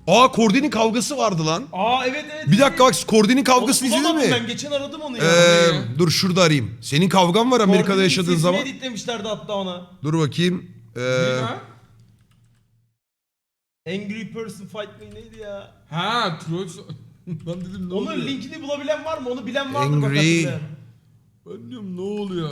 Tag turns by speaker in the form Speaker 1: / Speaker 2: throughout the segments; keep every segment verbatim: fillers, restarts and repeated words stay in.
Speaker 1: Aa Kordi'nin kavgası vardı lan.
Speaker 2: Aa evet evet.
Speaker 1: Bir dakika bak Kordi'nin kavgasını
Speaker 2: Onu
Speaker 1: izledin
Speaker 2: bulamadım
Speaker 1: mi?
Speaker 2: ben geçen aradım onu ya.
Speaker 1: Ee, dur şurada arayayım. Senin kavgan var Amerika'da
Speaker 2: Kordi'nin
Speaker 1: yaşadığın
Speaker 2: sesini
Speaker 1: zaman.
Speaker 2: editlemişlerdi hatta ona.
Speaker 1: Dur bakayım. Ee,
Speaker 3: Ha?
Speaker 2: Angry Person Fight mı neydi ya?
Speaker 3: Ha, Troll. Ben dedim ne
Speaker 2: Onun
Speaker 3: oluyor?
Speaker 2: linkini bulabilen var mı? Onu bilen vardır
Speaker 1: Angry-
Speaker 2: bak hatırlayan.
Speaker 3: Ben diyorum ne oluyor?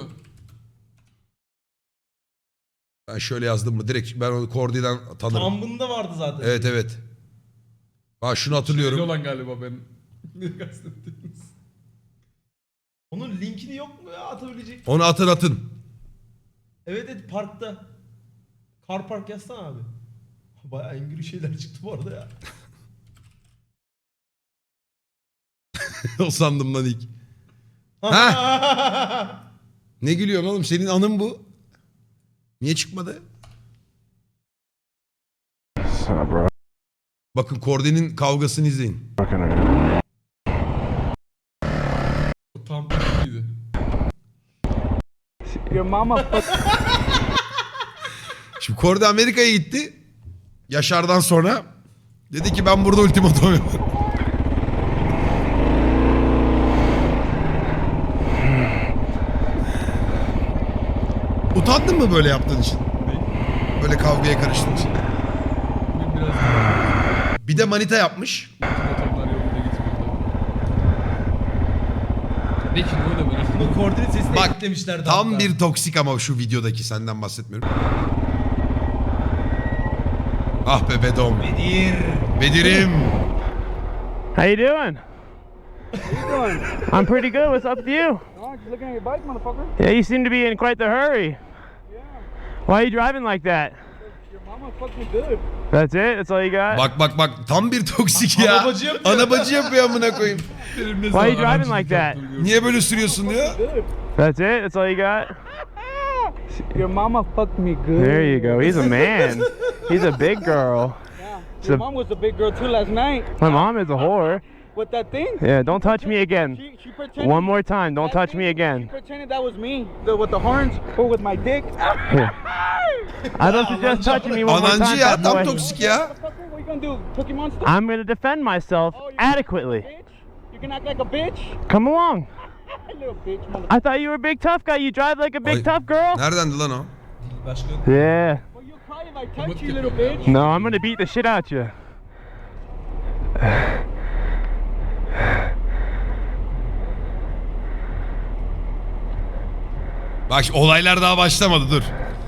Speaker 1: ben şöyle yazdım mı? Direkt ben onu Kordi'den tanırım.
Speaker 2: Tambında vardı zaten.
Speaker 1: Evet evet. Ha şunu
Speaker 3: Şeyli
Speaker 1: hatırlıyorum.
Speaker 3: olan galiba ben. Ne kastettiğiniz?
Speaker 2: Onun linkini yok mu ya atabilecek?
Speaker 1: Onu atın atın.
Speaker 2: Evet evet parkta. Car park yazsana abi. Bayağı angry şeyler çıktı bu arada ya.
Speaker 1: O sandım lan ilk. Ha? Ne gülüyorsun oğlum? Senin anın bu. Niye çıkmadı? Bakın Kordi'nin kavgasını izleyin.
Speaker 3: O tam iyiydi.
Speaker 4: Your mama
Speaker 1: Şimdi Kordi Amerika'ya gitti. Yaşar'dan sonra. Dedi ki ben burada ultimatum yaparım. Utandın mı böyle yaptığın için? Böyle kavgaya karıştığın için.
Speaker 3: Bugün biraz daha
Speaker 1: Bir de manita yapmış.
Speaker 3: motorlar yolunda gitmiyordu. Ne ki ne öyle böyle?
Speaker 2: Bunu koordinat sesini
Speaker 1: Bak,
Speaker 2: editlemişlerdi
Speaker 1: Tam
Speaker 2: hatta.
Speaker 1: bir toksik ama şu videodaki senden bahsetmiyorum. Ah be Bedom.
Speaker 2: Bedir.
Speaker 1: Bedirim.
Speaker 5: How you doing? I'm pretty good. What's up with you?
Speaker 4: Oh, just looking at your bike, motherfucker.
Speaker 5: Yeah, you seem to be in quite the hurry. Why are you driving like that?
Speaker 4: Your mama fucked me good.
Speaker 5: That's it? That's all you got?
Speaker 1: Bak bak bak tam bir toksik ya.
Speaker 2: Anabacı yapıyor.
Speaker 1: Anabacı yapıyor amına koyayım.
Speaker 3: Benim ne
Speaker 5: Why
Speaker 3: zaman
Speaker 5: are you driving
Speaker 3: arancılık
Speaker 5: like that?
Speaker 3: yaptığımı gördüm.
Speaker 1: Niye böyle sürüyorsun diyor.
Speaker 4: Good.
Speaker 5: That's it? That's all you got?
Speaker 4: Your mama fucked me good.
Speaker 5: There you go. He's a man. He's a big girl.
Speaker 4: Yeah.
Speaker 5: So-
Speaker 4: Your mom was a big girl too last night.
Speaker 5: My mom is a whore.
Speaker 4: With that thing.
Speaker 5: Yeah, don't touch me again.
Speaker 4: She, she pretended.
Speaker 5: One more time. Don't
Speaker 4: that
Speaker 5: touch me
Speaker 4: thing,
Speaker 5: again.
Speaker 4: She pretended that was me. The, with the horns or with my dick.
Speaker 5: Here. I don't suggest touching me one more
Speaker 1: Anancı
Speaker 5: time,
Speaker 1: ya
Speaker 5: bad
Speaker 1: tam
Speaker 5: boy.
Speaker 1: toksik ya.
Speaker 4: Motherfucker, what you gonna do? Pokemon stuff?
Speaker 5: I'm gonna defend myself
Speaker 4: Oh, you
Speaker 5: adequately.
Speaker 4: Bitch. You can act like a bitch.
Speaker 5: Come along.
Speaker 4: Little bitch, motherfucker.
Speaker 5: I thought you were a big tough guy. You drive like a big
Speaker 1: Ay,
Speaker 5: tough girl.
Speaker 1: Neredendi lan o?
Speaker 2: Başka.
Speaker 5: Yeah.
Speaker 4: Well, you cry if I touch you, little bitch.
Speaker 5: No, I'm gonna beat the shit out you.
Speaker 1: Bak şimdi olaylar daha başlamadı dur.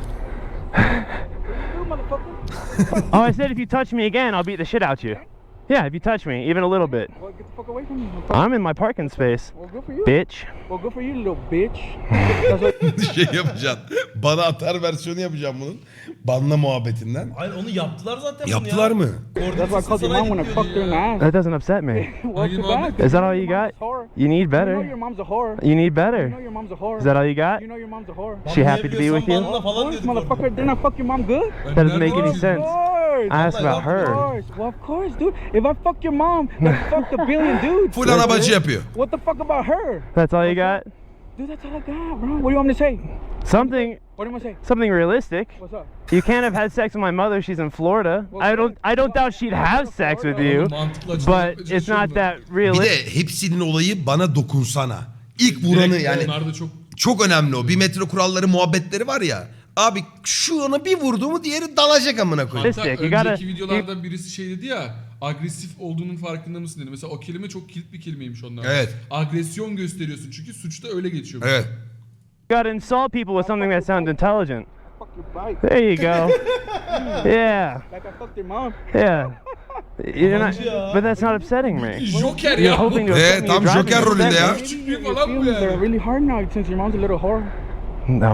Speaker 4: You motherfucker.
Speaker 5: Oh, I said if you touch me again, I'll beat the shit out you. Yeah, if you touch me, even a little bit.
Speaker 4: Well, get the fuck away from me, motherfucker.
Speaker 5: I'm in my parking space,
Speaker 4: Well, good for you.
Speaker 5: bitch.
Speaker 4: Well, good for you, little bitch. That's what
Speaker 1: Şey yapacaksın. Bana atar versiyonu yapacağım bunun. Banla muhabbetinden.
Speaker 2: Hayır onu yaptılar zaten
Speaker 1: Yaptılar
Speaker 2: bunu ya.
Speaker 1: mı?
Speaker 4: That's why I called your mom when I fucked her in the ass.
Speaker 5: That doesn't upset me.
Speaker 4: Well, too bad. 'cause
Speaker 5: Is that
Speaker 4: you
Speaker 5: all
Speaker 4: know
Speaker 5: you
Speaker 4: your mom's
Speaker 5: got?
Speaker 4: a whore.
Speaker 5: You need
Speaker 4: You know
Speaker 5: better.
Speaker 4: your mom's a whore.
Speaker 5: You need
Speaker 4: You know
Speaker 5: better.
Speaker 4: your mom's a whore.
Speaker 5: Is that all you got?
Speaker 4: You know your mom's a whore.
Speaker 5: She happy to be with you?
Speaker 2: Banla
Speaker 4: Of
Speaker 2: falan
Speaker 4: course,
Speaker 2: diyorduk orada.
Speaker 4: motherfucker. Didn't I fuck your mom good?
Speaker 3: Ben
Speaker 5: That doesn't
Speaker 3: nereden
Speaker 5: make any
Speaker 3: bileyim?
Speaker 5: sense.
Speaker 4: Of course.
Speaker 5: I asked about
Speaker 4: Of
Speaker 5: her.
Speaker 4: course. Well, of course, dude. If I fuck your mom, then fuck the billion dudes.
Speaker 1: Full anabacı yapıyor.
Speaker 4: What the fuck about her?
Speaker 5: That's all you got?
Speaker 4: Dude, that's all I got, bro. What do you want me to say?
Speaker 5: Something,
Speaker 4: What do you want to say?
Speaker 5: something realistic.
Speaker 4: What's up?
Speaker 5: You can't have had sex with my mother. She's in Florida. I don't, I don't doubt she'd have sex with you,
Speaker 3: Mantıklı açıklama
Speaker 5: but it's not that
Speaker 1: Bir
Speaker 5: realistic.
Speaker 1: de hepsinin olayı bana dokunsana. İlk vuranı yani
Speaker 3: Onlar da çok
Speaker 1: çok önemli o. Bir metro kuralları muhabbetleri var ya. Abi şu ona bir vurdu mu diğeri dalacak amına koyayım.
Speaker 3: Hatta
Speaker 5: Realistic, you
Speaker 3: önceki
Speaker 5: gotta-
Speaker 3: videolardan birisi şey dedi ya, agresif olduğunun farkında mısın dedi. Mesela o kelime çok kilit bir kelimeymiş onlar.
Speaker 1: Evet.
Speaker 3: Agresyon gösteriyorsun çünkü suçta öyle geçiyor.
Speaker 1: Evet.
Speaker 5: You gotta insult people with something that sounds intelligent.
Speaker 4: Fuck your bike.
Speaker 5: There you go. Yeah,
Speaker 4: Like I fucked your mom.
Speaker 5: yeah. You're not, but that's not upsetting me.
Speaker 3: Joker
Speaker 5: You're
Speaker 3: ya.
Speaker 5: hoping to
Speaker 1: Ee,
Speaker 5: upset me.
Speaker 1: tam
Speaker 5: You're driving
Speaker 1: Joker
Speaker 5: me
Speaker 1: rolünde
Speaker 5: upset
Speaker 1: ya.
Speaker 5: me.
Speaker 3: Küçük
Speaker 4: Your
Speaker 3: bir falan bu
Speaker 4: feelings are
Speaker 3: yani.
Speaker 4: really hard now since your mom's a little whore.
Speaker 5: No.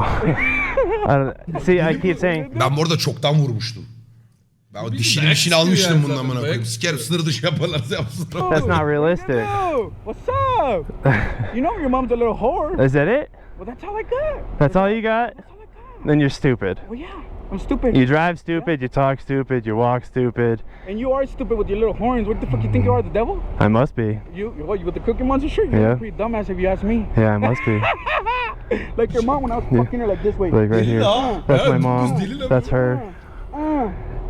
Speaker 5: I don't, see, I keep saying,
Speaker 1: Ben bu arada çoktan vurmuştum. Ben o
Speaker 3: Bir
Speaker 1: dişinin
Speaker 3: dayak
Speaker 1: işini
Speaker 3: istiyor
Speaker 1: almıştım
Speaker 3: yani
Speaker 1: bunun
Speaker 3: zaten,
Speaker 1: amına koyayım.
Speaker 3: dayak
Speaker 1: Sikerim sınır dışı yaparlarsa yapsınlar.
Speaker 5: that's not realistic.
Speaker 4: Yo, what's up? You know your mom's a little whore.
Speaker 5: Is that it?
Speaker 4: Well, that's all I got.
Speaker 5: That's all you got?
Speaker 4: That's all I got.
Speaker 5: Then you're stupid.
Speaker 4: Well, yeah, I'm stupid.
Speaker 5: You drive stupid, you talk stupid, you walk stupid.
Speaker 4: And you are stupid with your little horns. What the fuck you think you are, the devil?
Speaker 5: I must be.
Speaker 4: You, you what, you with the Cookie Monster shirt? You're
Speaker 5: Yeah.
Speaker 4: a pretty dumbass if you ask me.
Speaker 5: Yeah, I must be.
Speaker 4: Like your mom when I was fucking her like this way.
Speaker 5: Like right here.
Speaker 2: Aa,
Speaker 5: That's my
Speaker 3: Yeah,
Speaker 5: mom.
Speaker 3: deli lan
Speaker 5: That's
Speaker 3: bu.
Speaker 5: her.
Speaker 4: Uh,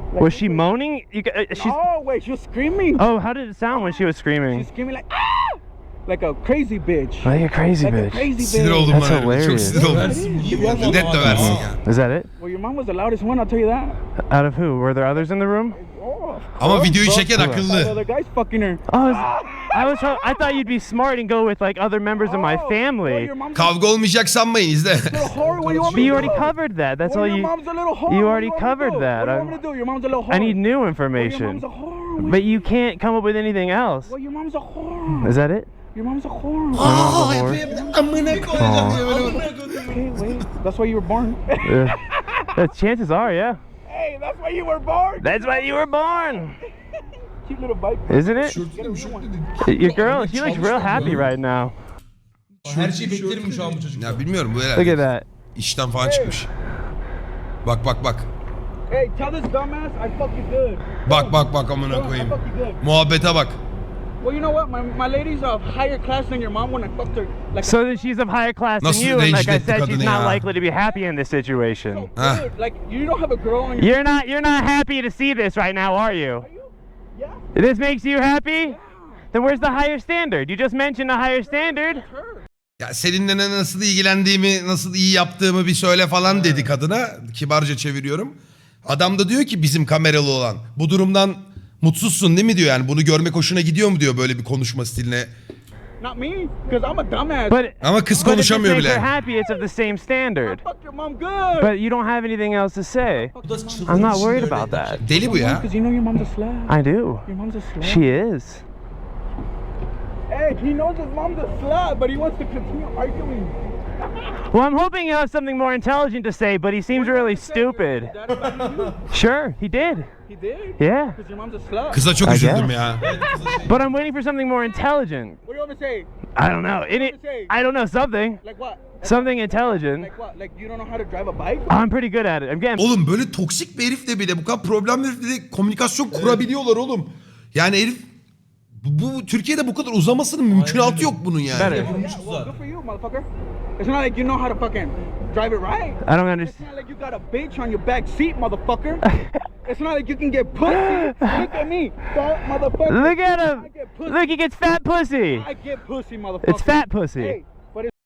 Speaker 5: Was she moaning? You, g- uh, she's.
Speaker 4: Oh wait, she was screaming.
Speaker 5: Oh, how did it sound when she was
Speaker 4: She's
Speaker 5: screaming?
Speaker 4: screaming like ah, like a crazy bitch.
Speaker 5: Like a crazy
Speaker 4: Like a
Speaker 5: bitch.
Speaker 4: crazy
Speaker 1: Sinir
Speaker 4: bitch.
Speaker 1: oldum
Speaker 5: That's
Speaker 1: bana. Çok
Speaker 5: hilarious.
Speaker 1: sinir oldum.
Speaker 2: Versin, niye bu adamı
Speaker 1: Net
Speaker 2: adam-
Speaker 1: döversin ya.
Speaker 5: Is that it?
Speaker 4: Well, your mom was the loudest one. I'll tell you that.
Speaker 5: Out of who? Were there others in the room?
Speaker 4: Oh, of
Speaker 1: Ama
Speaker 4: course,
Speaker 1: videoyu
Speaker 4: bro.
Speaker 1: çeken
Speaker 4: Five
Speaker 1: akıllı.
Speaker 4: other guys fucking her.
Speaker 5: Oh, is- I was. ho- I thought you'd be smart and go with like other members of my
Speaker 4: Oh, well,
Speaker 5: family.
Speaker 4: your mom's
Speaker 1: Kavga olmayacak sanmayın izle.
Speaker 4: a little whore. What do you want
Speaker 5: But
Speaker 4: me
Speaker 5: you
Speaker 4: to
Speaker 5: already
Speaker 4: do?
Speaker 5: covered that. That's
Speaker 4: Well,
Speaker 5: all
Speaker 4: your
Speaker 5: you.
Speaker 4: mom's a little whore.
Speaker 5: you
Speaker 4: What
Speaker 5: already
Speaker 4: do want me to
Speaker 5: covered
Speaker 4: do?
Speaker 5: that.
Speaker 4: What do you
Speaker 5: I'm-
Speaker 4: want me to do? Your mom's a little whore.
Speaker 5: I need new
Speaker 4: Well, your
Speaker 5: information.
Speaker 4: mom's a whore.
Speaker 5: But you can't come up with anything else.
Speaker 4: Well, your mom's a whore.
Speaker 5: Is that it?
Speaker 4: Your mom's a whore.
Speaker 1: Aa,
Speaker 5: Amına
Speaker 1: amına koyacağım diye böyle.
Speaker 4: Okay, wait. That's why you were born.
Speaker 5: Uh, the chances are, yeah.
Speaker 4: Hey, that's why you were born.
Speaker 5: That's why you were born,
Speaker 4: Cute little bike.
Speaker 5: isn't it?
Speaker 3: Şortunu şortunu
Speaker 5: Your girl, she looks real happy right now.
Speaker 2: Her şeyi beklerim şu an bu çocuk.
Speaker 1: Ya bilmiyorum bu
Speaker 5: Look
Speaker 1: herhalde.
Speaker 5: at that.
Speaker 1: İşten falan çıkmış. Bak bak bak.
Speaker 4: Hey, tell this dumbass I fuck you good.
Speaker 1: Bak bak bak
Speaker 4: Tell
Speaker 1: amına
Speaker 4: him I
Speaker 1: koyayım.
Speaker 4: fuck you good.
Speaker 1: Muhabbete bak.
Speaker 4: Well, you know what? My, my lady's of higher class than your mom when I fucked her. Like,
Speaker 5: So that she's of higher class than
Speaker 1: Nasıl
Speaker 5: you, and like I
Speaker 1: rencide etti
Speaker 5: said, she's
Speaker 1: kadını
Speaker 5: not
Speaker 1: ya?
Speaker 5: likely to be happy in this situation.
Speaker 1: Heh.
Speaker 4: dude, like you don't have a girl on your.
Speaker 5: You're not. You're not happy to see this right now, are you?
Speaker 4: Yeah.
Speaker 5: This makes you happy? Then where's the higher standard? You just mentioned a higher standard.
Speaker 4: Her.
Speaker 1: Ya seninle ne- nasıl ilgilendiğimi, nasıl iyi yaptığımı bir söyle falan dedi kadına. Kibarca çeviriyorum. Adam da diyor ki bizim kameralı olan. Bu durumdan mutsuzsun değil mi diyor yani. Bunu görmek hoşuna gidiyor mu diyor böyle bir konuşma stiline.
Speaker 4: Not me, because I'm a dumbass.
Speaker 5: But
Speaker 1: Ama kız
Speaker 5: but if this
Speaker 1: konuşamıyor
Speaker 5: makes her
Speaker 1: bile.
Speaker 5: happy, it's of the same
Speaker 4: I
Speaker 5: standard.
Speaker 4: fucked your mom good.
Speaker 5: But you don't have anything else to say.
Speaker 2: Bu da çıldırmış
Speaker 5: I'm not
Speaker 2: şimdi
Speaker 5: worried
Speaker 2: öyle
Speaker 5: about
Speaker 2: dedi.
Speaker 5: that.
Speaker 1: Deli bu ya.
Speaker 4: Because you know your mom's a slut.
Speaker 5: I do.
Speaker 4: Your mom's a slut.
Speaker 5: She is.
Speaker 4: Hey, he knows his mom's a slut, but he wants to continue arguing.
Speaker 5: Well, I'm hoping he'll have something more intelligent to say, but he seems really stupid.
Speaker 4: Dad abandoned you?
Speaker 5: Sure, he did.
Speaker 4: He did?
Speaker 5: Yeah.
Speaker 4: Because your mom's a slut.
Speaker 1: Kıza çok
Speaker 5: I
Speaker 1: üzüldüm
Speaker 5: guess.
Speaker 1: ya.
Speaker 5: But I'm waiting for something more intelligent.
Speaker 4: What do you want me to say?
Speaker 5: I don't know. In it, I don't know something.
Speaker 4: Like what?
Speaker 5: Something intelligent.
Speaker 4: Like what? Like you don't know how to drive a bike?
Speaker 5: I'm pretty good at it. I'm getting.
Speaker 1: Oğlum böyle toksik bir herifle bile bu kadar problemli herifle de komünikasyon kurabiliyorlar oğlum. Yani herif bu, bu Türkiye'de bu kadar uzamasının mümkünatı yok bunun yani.
Speaker 5: Better.
Speaker 2: Yapılmış
Speaker 4: Well,
Speaker 2: tuzak.
Speaker 4: good for you, motherfucker. It's not like you know how to fucking drive it right.
Speaker 5: I don't
Speaker 4: It's
Speaker 5: understand.
Speaker 4: not like you got a bitch on your back seat, motherfucker. It's not like you can get pussy. Look at me, fat motherfucker.
Speaker 5: Look at him.
Speaker 4: I get pussy.
Speaker 5: Look, he gets fat pussy.
Speaker 4: I get pussy, motherfucker.
Speaker 5: It's fat pussy.
Speaker 4: Hey, but it's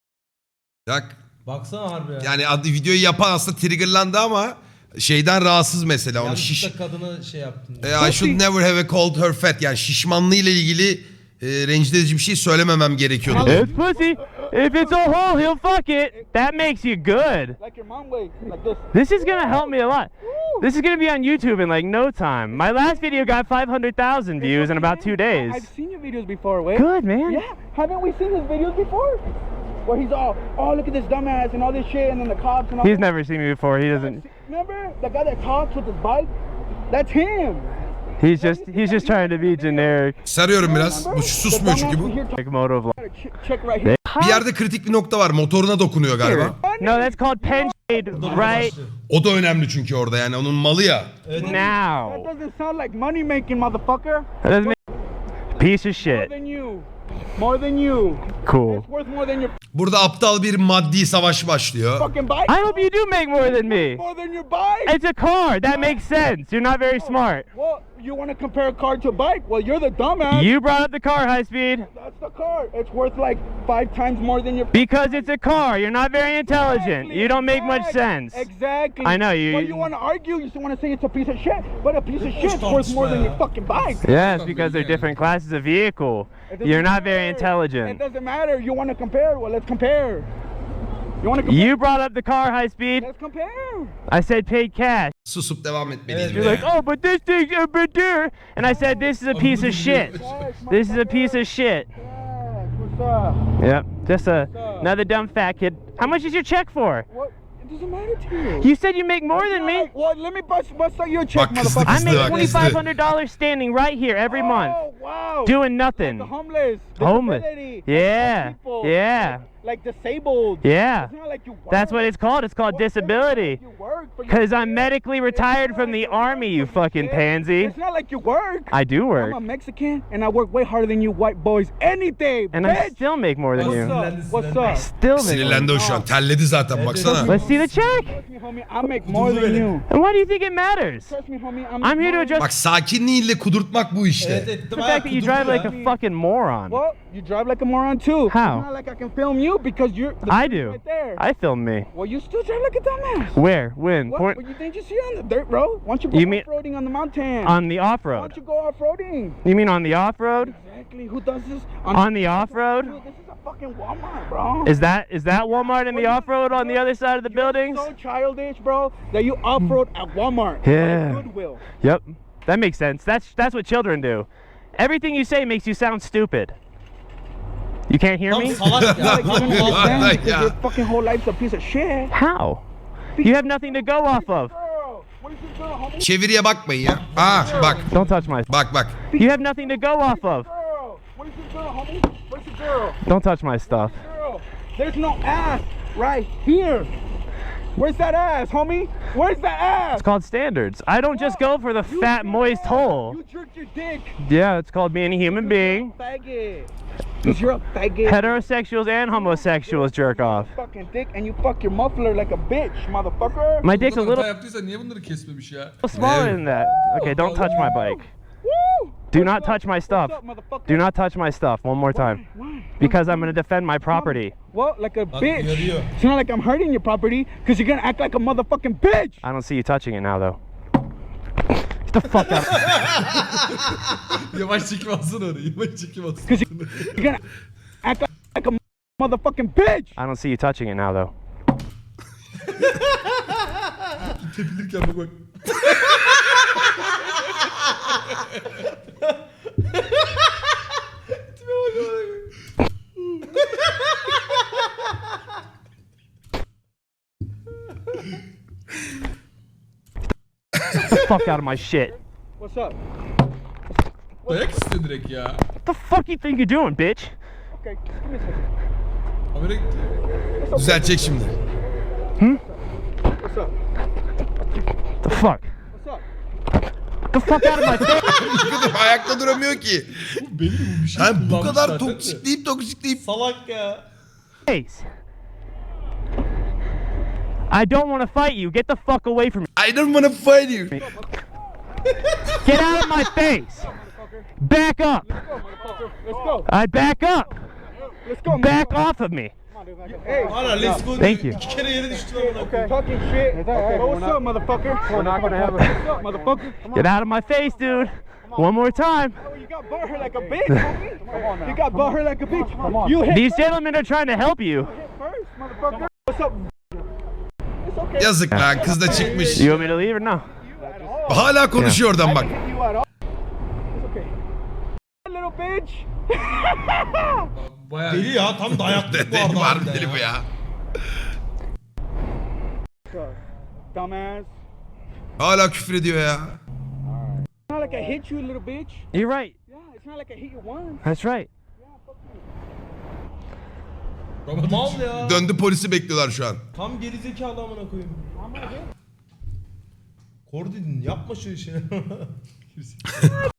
Speaker 1: Bak,
Speaker 2: Baksana harbi ya.
Speaker 1: yani adı videoyu yapan aslında triggerlandı ama şeyden rahatsız mesela. Onu şiş,
Speaker 2: Yanlışlıkla kadını şey yaptın.
Speaker 1: E, I should never have called her fat. Yani şişmanlığıyla ilgili e, rencide edici bir şey söylememem gerekiyordu.
Speaker 5: It's pussy. If it's a hole, he'll fuck it. That makes you good.
Speaker 4: like your mom way, like this.
Speaker 5: This is gonna help me a lot. This is gonna be on YouTube in like no time. My last video got five hundred thousand views in about two days.
Speaker 4: I've seen your videos before, Wade.
Speaker 5: Good, man.
Speaker 4: Yeah, haven't we seen his videos before? Where he's all, oh, look at this dumbass and all this shit, and then the cops and all
Speaker 5: He's
Speaker 4: that.
Speaker 5: never seen me before. He doesn't.
Speaker 4: Remember the guy that talks with his bike? That's him.
Speaker 5: He's just he's just trying to be generic.
Speaker 1: Sarıyorum biraz. Bu susmuyor çünkü bu.
Speaker 5: Like mode of life.
Speaker 4: Check, check right here.
Speaker 1: Bir yerde kritik bir nokta var. Motoruna dokunuyor galiba.
Speaker 5: No, that's called pen shade right
Speaker 1: O da önemli çünkü orada yani onun malı ya.
Speaker 4: That
Speaker 5: now.
Speaker 4: doesn't sound like money making, motherfucker.
Speaker 5: That doesn't make piece of
Speaker 4: More
Speaker 5: shit.
Speaker 4: than you. More than you.
Speaker 5: Cool.
Speaker 4: It's worth more than your
Speaker 1: Burada aptal bir maddi savaş başlıyor.
Speaker 4: fucking bike.
Speaker 5: I hope you do make more than me.
Speaker 4: More than your bike.
Speaker 5: It's a car. That makes sense. You're not very smart.
Speaker 4: Well, you want to compare a car to a bike? Well, you're the dumbass.
Speaker 5: You brought up the car high speed
Speaker 4: That's the car. It's worth like five times more than your.
Speaker 5: because it's a car. You're not very intelligent. You don't make much sense.
Speaker 4: Exactly.
Speaker 5: I know, you-
Speaker 4: Well, you want to argue. You still want to say it's a piece of shit, but a piece of
Speaker 2: Of
Speaker 4: shit's
Speaker 2: course,
Speaker 4: worth more than
Speaker 2: man.
Speaker 4: your fucking bike.
Speaker 5: Yes, because they're different classes of vehicle.
Speaker 4: It doesn't
Speaker 5: You're not very
Speaker 4: matter. It
Speaker 5: intelligent.
Speaker 4: doesn't matter. You want to compare? Well, let's compare. You want to compare?
Speaker 5: You brought up the car high speed.
Speaker 4: Let's compare.
Speaker 5: I said paid cash.
Speaker 1: Susup devam etmeliyim.
Speaker 5: You're like, oh, but this thing's a bit dear. And I said, this is a piece of shit. This is a piece of shit.
Speaker 4: Yeah, what's up?
Speaker 5: Yep, just a, another dumb fat kid. How much is your check for?
Speaker 4: What? It doesn't matter to you.
Speaker 5: You said you make more than me.
Speaker 4: Well, let me bust, bust out your check,
Speaker 1: Bak kızdı
Speaker 4: motherfucker.
Speaker 5: I
Speaker 1: kızdı
Speaker 5: make
Speaker 1: bak
Speaker 5: twenty-five
Speaker 1: kızdı.
Speaker 5: hundred dollars standing right here every month,
Speaker 4: Oh, wow.
Speaker 5: doing nothing.
Speaker 4: The homeless.
Speaker 5: Homeless.
Speaker 4: disability,
Speaker 5: Yeah.
Speaker 4: like people,
Speaker 5: Yeah.
Speaker 4: like, like disabled.
Speaker 5: Yeah.
Speaker 4: It's not like you work.
Speaker 5: That's what it's called. It's called
Speaker 4: What- it's not
Speaker 5: disability.
Speaker 4: like you work for your
Speaker 5: Because I'm
Speaker 4: kids.
Speaker 5: medically
Speaker 4: It's
Speaker 5: retired
Speaker 4: not
Speaker 5: from
Speaker 4: like
Speaker 5: the
Speaker 4: you work
Speaker 5: army,
Speaker 4: for
Speaker 5: you
Speaker 4: your
Speaker 5: fucking
Speaker 4: kids.
Speaker 5: pansy.
Speaker 4: It's not like you work.
Speaker 5: I do work.
Speaker 4: I'm a Mexican and I work way harder than you white boys any day,
Speaker 5: And I
Speaker 4: bitch.
Speaker 5: still make more than
Speaker 2: What's
Speaker 5: you.
Speaker 2: up?
Speaker 4: What's
Speaker 5: I
Speaker 4: up?
Speaker 5: still make more.
Speaker 1: Sinirlendi o şu an. Terledi zaten
Speaker 2: Evet,
Speaker 1: baksana.
Speaker 2: evet.
Speaker 5: Let's see the check.
Speaker 4: Trust me, homie, I make more than
Speaker 2: böyle.
Speaker 4: you.
Speaker 5: And why do you think it matters?
Speaker 4: Trust me, homie, I make
Speaker 5: I'm here to
Speaker 4: more than
Speaker 5: address
Speaker 1: Bak sakinliğiyle kudurtmak bu işte.
Speaker 2: Evet evet.
Speaker 5: the fact that you drive like a fucking moron.
Speaker 4: Well, you drive like a moron too.
Speaker 5: How?
Speaker 4: It's not like I can film you because you're. the
Speaker 5: I
Speaker 4: dude
Speaker 5: do.
Speaker 4: Right there.
Speaker 5: I film me.
Speaker 4: Well, you still drive like a dumbass.
Speaker 5: Where? When?
Speaker 4: What?
Speaker 5: Point
Speaker 4: Well, you think you see on the dirt road? Why don't you go
Speaker 5: You mean-
Speaker 4: off-roading on the mountain?
Speaker 5: on the
Speaker 4: Why
Speaker 5: off-road.
Speaker 4: don't you go off-roading?
Speaker 5: You mean on the off-road?
Speaker 4: Exactly. Who does this?
Speaker 5: On the off-road?
Speaker 4: Dude, this is a fucking Walmart, bro.
Speaker 5: Is that is that Walmart in the off-road on the other side of the buildings?
Speaker 4: So childish, bro, that you off-road at Walmart.
Speaker 5: Yeah.
Speaker 4: At Goodwill.
Speaker 5: Yep. That makes sense. That's that's what children do. Everything you say makes you sound stupid. You can't hear
Speaker 2: Tam
Speaker 5: me?
Speaker 2: salak ya.
Speaker 4: Like, you
Speaker 2: Tam
Speaker 4: don't
Speaker 2: salak.
Speaker 4: understand
Speaker 1: Like,
Speaker 4: because
Speaker 1: yeah.
Speaker 4: your fucking whole life's a piece of shit.
Speaker 5: How? You have nothing to go off of.
Speaker 4: Girl, what is this girl, homie?
Speaker 1: Çeviriye bakmayın ya. Aa bak.
Speaker 5: Don't touch my.
Speaker 1: Bak bak.
Speaker 5: You have nothing to go off of.
Speaker 4: Girl, what is this girl, homie? Where's the girl?
Speaker 5: Don't touch my stuff.
Speaker 4: Girl, there's no ass right here. Where's that ass, homie? Where's the ass?
Speaker 5: It's called standards. I don't just go for the
Speaker 4: You
Speaker 5: fat,
Speaker 4: jerked
Speaker 5: moist
Speaker 4: ass.
Speaker 5: hole.
Speaker 4: You jerked your dick.
Speaker 5: Yeah, it's called being a human being.
Speaker 4: Faggot. Cause you're a faggot.
Speaker 5: Heterosexuals and homosexuals jerk off.
Speaker 4: Fucking dick and you fuck your muffler like a bitch, motherfucker.
Speaker 5: My dick's a
Speaker 3: Hata
Speaker 5: little
Speaker 3: yaptıysa niye bunları kesmemiş ya?
Speaker 5: smaller than that. Okay, don't touch my bike.
Speaker 4: Woo!
Speaker 5: Do
Speaker 4: What's
Speaker 5: not
Speaker 4: up?
Speaker 5: touch my stuff.
Speaker 4: What's up, motherfucker?
Speaker 5: Do not touch my stuff one more time.
Speaker 4: Why?
Speaker 5: Because I'm gonna defend my property.
Speaker 4: Well, like a
Speaker 2: Bak,
Speaker 4: bitch.
Speaker 2: uyarıyor.
Speaker 4: It's not like I'm hurting your property because you're gonna act like a motherfucking bitch.
Speaker 5: I don't see you touching it now though. Get the fuck out.
Speaker 3: Yavaş çekim alsana orayı. Yavaş çekim alsana.
Speaker 4: Because you're gonna act like, like a motherfucking bitch.
Speaker 5: I don't see you touching it now though.
Speaker 3: Tepilirken bak bak.
Speaker 5: Get the fuck out of my shit.
Speaker 4: What's up?
Speaker 3: Dayak istiyor direkt ya.
Speaker 5: What the fuck you think you're doing, bitch?
Speaker 4: Okay, give me a second.
Speaker 3: Habere gitti.
Speaker 1: Düzeltecek şimdi.
Speaker 4: What's up?
Speaker 5: The fuck?
Speaker 4: What's up?
Speaker 5: Get the fuck out of my face.
Speaker 1: Ayakta duramıyor ki.
Speaker 3: Belli bu bir şey
Speaker 1: Ha, bu
Speaker 3: kullanmış
Speaker 1: kadar
Speaker 3: zaten de.
Speaker 1: toksikleyip toksikleyip.
Speaker 2: Salak ya.
Speaker 5: face. I don't want to fight you. Get the fuck away from me.
Speaker 1: I don't wanna fight you.
Speaker 5: Get out of my face. Back up.
Speaker 4: Let's go, motherfucker. Let's go.
Speaker 5: I back up.
Speaker 4: Let's go,
Speaker 5: Back
Speaker 4: motherfucker.
Speaker 5: off of me.
Speaker 4: Hey,
Speaker 2: Hala let's go
Speaker 5: Thank
Speaker 2: diyor.
Speaker 5: you.
Speaker 2: İki kere yere düştü lan buna.
Speaker 4: okay. Talking shit. Okay, but what's up, motherfucker? We're not gonna have a. What's up, motherfucker?
Speaker 5: Get out of my face, dude. One more time.
Speaker 4: Oh, you got butt hurt like a bitch, homie. You got butt hurt like a bitch. You hit
Speaker 5: These gentlemen are trying to help you.
Speaker 4: first, motherfucker. What's up? It's okay.
Speaker 1: Yazık lan kız da çıkmış.
Speaker 5: You want me to leave or no?
Speaker 1: Hala konuşuyor oradan bak.
Speaker 4: You at all? It's okay. Little bitch.
Speaker 3: Bayağı
Speaker 2: Deli ya tam dayaklık bu
Speaker 1: Deli
Speaker 2: arada.
Speaker 1: var
Speaker 2: harbiden
Speaker 1: deli bu ya.
Speaker 4: Dumbass.
Speaker 1: Hala küfür ediyor ya.
Speaker 4: It's not like I hit you, little bitch.
Speaker 5: You're right.
Speaker 4: Yeah, it's not like I hit you once.
Speaker 5: That's right.
Speaker 2: Mal ya.
Speaker 1: Döndü polisi bekliyorlar şu an.
Speaker 2: Tam gerizekalı amına koyayım. Kordidin yapma şu işi.